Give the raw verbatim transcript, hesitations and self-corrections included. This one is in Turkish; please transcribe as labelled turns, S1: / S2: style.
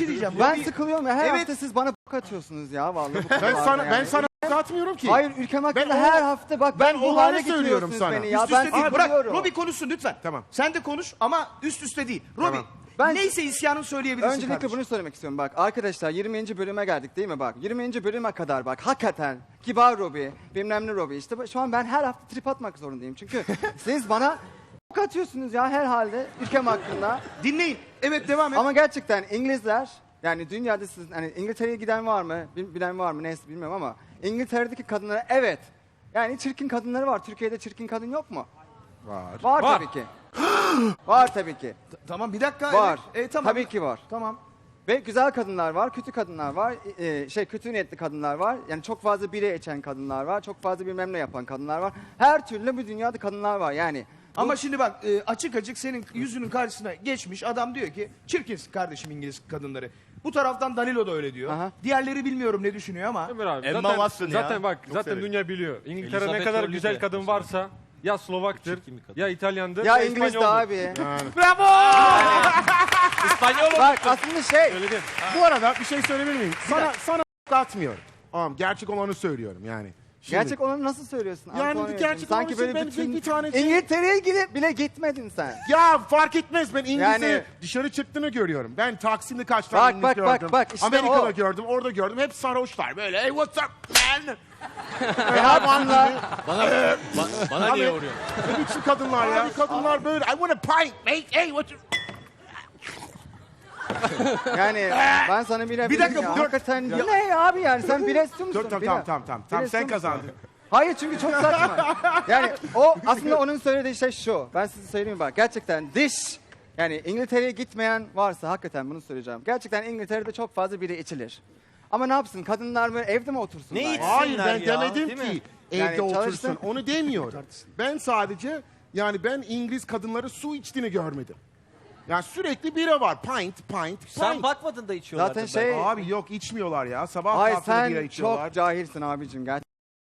S1: şey diyeceğim.
S2: Ben
S1: Robbie-
S2: sıkılıyorum ya. Her
S1: Evet.
S2: hafta siz bana bok atıyorsunuz ya vallahi. bu
S3: Ben
S2: konularda
S3: sana
S2: yani.
S3: ben sana atmıyorum ki.
S2: Hayır ülkem hakkında
S3: Ben o-
S2: her hafta bak
S3: ben
S2: ben bu
S3: olanı
S2: hale
S3: söylüyorum
S2: getiriyorsunuz
S3: sana.
S2: beni ya.
S1: Üst
S2: Ben
S1: üste değil. Bırak
S2: sıkılıyorum.
S1: Robbie konuşsun lütfen.
S3: Tamam.
S1: Sen de konuş ama üst üste değil. Robbie
S3: Tamam.
S2: Ben-
S1: neyse isyanın söyleyebilirsin
S2: Öncelikle
S1: kardeşim.
S2: bunu söylemek istiyorum bak. Arkadaşlar yirminci bölüme geldik değil mi bak. yirminci bölüme kadar bak hakikaten kibar Robbie, bilmem ne Robbie. İşte şu an ben her hafta trip atmak zorundayım. Çünkü siz bana bok atıyorsunuz ya her halde ülkem hakkında.
S1: Dinleyin. Evet devam et.
S2: Ama gerçekten İngilizler yani dünyada siz hani İngiltere'ye giden var mı? Bil- Bilen var mı? Neyse bilmiyorum ama İngiltere'deki kadınlara evet. Yani çirkin kadınları var. Türkiye'de çirkin kadın yok mu?
S3: Var.
S2: Var,
S4: Var.
S2: tabii ki. Var tabii ki.
S1: Tamam bir dakika.
S2: Var.
S1: Evet. E, tamam.
S2: Tabii ki var.
S1: Tamam.
S2: Ve güzel kadınlar var, kötü kadınlar var, e, şey kötü niyetli kadınlar var. Yani çok fazla bire içen kadınlar var, çok fazla bilmem ne yapan kadınlar var. Her türlü bu dünyada kadınlar var yani.
S1: Ama şimdi bak e, açık açık senin yüzünün karşısına geçmiş adam diyor ki çirkinsin kardeşim İngiliz kadınları. Bu taraftan Danilo da öyle diyor.
S2: Aha.
S1: Diğerleri bilmiyorum ne düşünüyor ama.
S4: Ömer abi,
S5: Emma
S4: zaten,
S5: Watson ya.
S4: zaten bak zaten
S5: severim.
S4: dünya biliyor. İngiltere ne
S5: Elizabeth
S4: kadar
S5: Hurley
S4: güzel
S5: de
S4: kadın
S5: mesela.
S4: varsa ya Slovaktır,
S5: Çirkin bir kadın.
S4: ya İtalyandır,
S2: Ya
S4: ya,
S2: İngiliz de
S4: İspanyoldur.
S2: abi.
S5: İspanyol
S2: Bak aslında şey,
S4: Söyledim.
S3: Bu arada bir şey söyleyebilir miyim? Sana sana atmıyorum. Tamam, gerçek olanı söylüyorum yani. Şimdi-
S2: gerçek olanı nasıl söylüyorsun?
S3: Yani
S2: Antonio?
S3: gerçek
S2: Sanki
S3: olanı
S2: böyle
S3: ben
S2: bütün
S3: bir- bir tane şey-
S2: İngiltere'ye gidip bile gitmedin sen.
S3: Ya fark etmez, ben İngilizce
S2: Yani-
S3: dışarı çıktığını görüyorum. Ben Taksim'de kaç tane
S2: Bak,
S3: İngiliz
S2: bak, bak,
S3: gördüm.
S2: bak, işte
S3: Amerika'da
S2: o.
S3: gördüm, orada gördüm. Hep sarhoşlar böyle. Hey what's up man?
S2: Ne yapsınlar?
S5: Bana, ba- bana niye
S3: Abi-
S5: vuruyor?
S3: Ne biçim kadınlar ya? Kadınlar böyle. I want a pint mate. Hey what you...
S2: Yani ben sana bile
S1: Bir dakika,
S2: ya.
S1: dur.
S2: Hakikaten ne ya abi yani sen bile istiyor musun?
S3: Dur tamam
S2: Bile-
S3: tamam tamam tamam. Tamam
S2: bile
S3: sen
S2: istiyor musun?
S3: kazandın.
S2: Hayır çünkü çok saçma. Yani o aslında onun söylediği şey şu. Ben size söyleyeyim bak. Gerçekten diş yani İngiltere'ye gitmeyen varsa hakikaten bunu söyleyeceğim. Gerçekten İngiltere'de çok fazla biri içilir. Ama ne yapsın? Kadınlar böyle evde mi otursunlar?
S5: Ne
S2: yani?
S5: içsin?
S3: Hayır ben
S5: ya,
S3: demedim
S5: değil
S3: ki
S5: mi?
S3: evde
S2: Yani
S3: otursun.
S2: çalışsın.
S3: Onu demiyorum. Ben sadece yani ben İngiliz kadınları su içtiğini görmedim. Yani sürekli bira var. Pint, pint,
S5: Sen
S3: pint.
S5: bakmadın da içiyorlar.
S2: Zaten şey
S3: Abi yok içmiyorlar ya. Sabah
S2: hayır
S3: kahvaltıda bira
S2: sen
S3: içiyorlar.
S2: çok cahilsin abicim gerçekten.